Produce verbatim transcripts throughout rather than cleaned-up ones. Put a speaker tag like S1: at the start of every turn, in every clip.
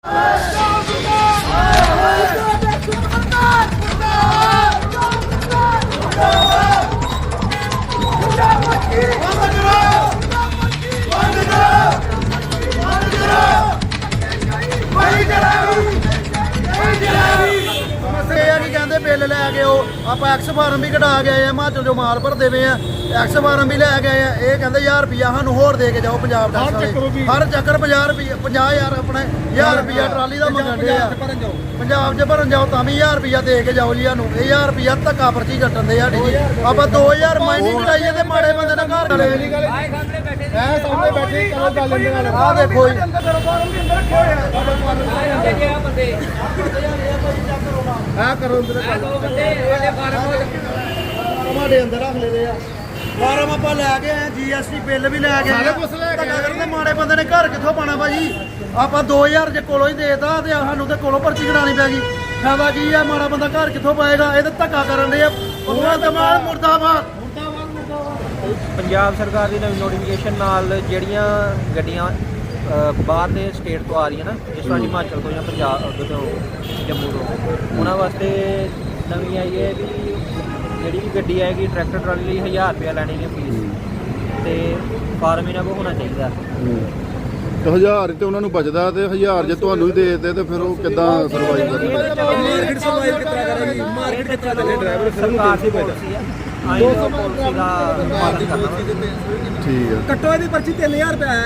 S1: bill लै गए आप एक्स फार्म भी कटा गए हिमाचल जो माल भरते पे हैं एक्स फार्म भी लै गए हैं ये कहते हज़ार रुपया सानू होर दे के जाओ पंजाब हर चक्कर पंजाह रुपये पंजाह हज़ार अपने हज़ार रुपया ट्राली का मंगन दे पंजाब च भरन जाओ तां भी हज़ार रुपया दे के जाओ जी सानू ये हज़ार रुपया धक्का पर्ची कट्टन दे साडी जी आप दो हज़ार माइनिंग कटाइए ते माड़े बंदे ने घर आ देखो करो अंदर रख ले फार्म आप लैके आए जी एस टी बिल भी लैके आए माड़े बंदे ने घर कितों पाना भाजी आप दो हज़ार जे कोलों ही देता सानू तो कोलों पर्ची कटानी पैगी फायदा की है माड़ा बंदा घर कितों पाएगा ये धक्का करन दे मुर्दाबाद
S2: पंजाब सरकार की नवी नोटिफिकेशन नाल ਜਿਹੜੀਆਂ ਗੱਡੀਆਂ ਬਾਹਰ ਦੇ ਸਟੇਟ ਤੋਂ ਆ ਰਹੀਆਂ ਨਾ ਜਿਸ ਤਰ੍ਹਾਂ ਹਿਮਾਚਲ ਤੋਂ ਜਾਂ ਪੰਜਾਬ ਤੋਂ ਜੰਮੂ ਤੋਂ ਉਹਨਾਂ ਵਾਸਤੇ ਨਵੀਂ ਆਈ ਹੈ ਵੀ ਜਿਹੜੀ ਵੀ ਗੱਡੀ ਆਏਗੀ ਟਰੈਕਟਰ ਟਰਾਲੀ ਲਈ ਹਜ਼ਾਰ ਰੁਪਇਆ ਲੈਣੀ ਹੈ ਫੀਸ ਤੇ ਫਾਰਮ ਇਹਨਾਂ ਕੋਲ ਹੋਣਾ ਚਾਹੀਦਾ
S3: ਤੇ ਹਜ਼ਾਰ ਤੇ ਉਹਨਾਂ ਨੂੰ ਬਚਦਾ ਤੇ ਹਜ਼ਾਰ ਜੇ ਤੁਹਾਨੂੰ ਹੀ ਦੇ ਦਿੱਤੇ ਤੇ ਫਿਰ ਉਹ ਕਿੱਦਾਂ ਸਰਵਾਈਵ ਕਰਨਗੇ
S1: ਮਾਰਕੀਟ ਸਰਵਾਈਵ ਕਿੱਦਾਂ ਕਰੇਗੀ ਮਾਰਕੀਟ ਕਿੱਦਾਂ ਚੱਲੇ ਡਰਾਈਵਰ
S2: ਸਰਕਾਰ ਦੀ ਪਾਲਿਸੀ ਹੈ ਆਈ ਪਾਲਿਸੀ ਦਾ ਪਾਲਣ ਕਰਨਾ
S3: ਠੀਕ ਹੈ
S1: ਕੱਟੋ ਇਹਦੀ ਪਰਚੀ ਤਿੰਨ ਹਜ਼ਾਰ ਰੁਪਏ ਹੈ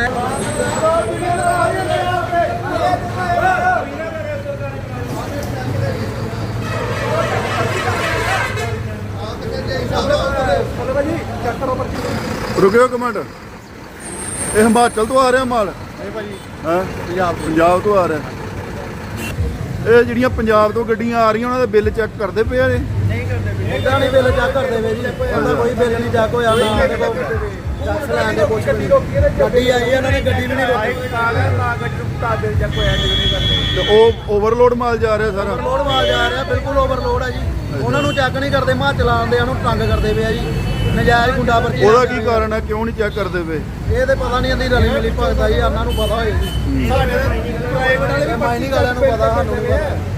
S3: ਰੁਕਿਓ ਇੱਕ ਮਿੰਟ ਇਹ ਹਿਮਾਚਲ ਤੋਂ ਆ ਰਿਹਾ ਮਾਲ
S1: ਨਹੀਂ ਭਾਜੀ
S3: ਹਾਂ
S1: ਪੰਜਾਬ
S3: ਪੰਜਾਬ ਤੋਂ ਆ ਰਿਹਾ ਇਹ ਜਿਹੜੀਆਂ ਪੰਜਾਬ ਤੋਂ ਗੱਡੀਆਂ ਆ ਰਹੀਆਂ ਉਹਨਾਂ ਦੇ ਬਿੱਲ ਚੈੱਕ ਕਰਦੇ ਪਏ ਆ
S1: ਨਹੀਂ ਕਰਦੇ ਇਹਦਾ ਨਹੀਂ ਬਿੱਲ ਚੈੱਕ ਕਰਦੇ ਵੇ ਜੀ ਇਹਦਾ ਕੋਈ ਬਿੱਲ ਨਹੀਂ ਚੈੱਕ ਹੋਇਆ ਨਾ ਦੇਖੋ ਟੈਕਸ ਲੈਣ ਦੇ ਕੁਛ ਨਹੀਂ ਗੱਡੀ ਆਈ ਇਹਨਾਂ ਨੇ ਗੱਡੀ ਵੀ ਨਹੀਂ ਰੋਕੀ ਬਿੱਲ ਚੈੱਕ ਹੋਇਆ ਨਹੀਂ ਕਰਦੇ
S3: ਤੇ ਉਹ ਓਵਰਲੋਡ ਮਾਲ ਜਾ ਰਿਹਾ ਸਾਰਾ
S1: ਓਵਰਲੋਡ ਮਾਲ ਜਾ ਰਿਹਾ ਬਿਲਕੁਲ ਓਵਰਲੋਡ ਹੈ ਜੀ ਉਹਨਾਂ ਨੂੰ ਚੈੱਕ ਨਹੀਂ ਕਰਦੇ ਹਿਮਾਚਲ ਆਉਂਦੇ ਉਹਨੂੰ ਤੰਗ ਕਰਦੇ ਪਏ ਆ ਜੀ ਨਜਾਇਜ਼ ਗੁੰਡਾ ਪਰਚੀ
S3: ਉਹਦਾ ਕੀ ਕਾਰਨ ਹੈ ਕਿਉਂ ਨਹੀਂ ਚੈੱਕ ਕਰਦੇ ਪਏ
S1: ਇਹ ਤੇ ਪਤਾ ਨਹੀਂ ਇਹਦੀ ਰਲੀ ਮਿਲੀ ਭਗਤ ਆ ਜੀ ਉਹਨਾਂ ਨੂੰ ਪਤਾ ਹੋਏ ਜੀ ਸਾਡੇ ਪ੍ਰਾਈਵੇਟ ਵਾਲੇ ਵੀ ਮਾਈਨਿੰਗ ਵਾਲਿਆਂ ਨੂੰ ਪਤਾ ਸਾਨੂੰ ਨਹੀਂ ਪਤਾ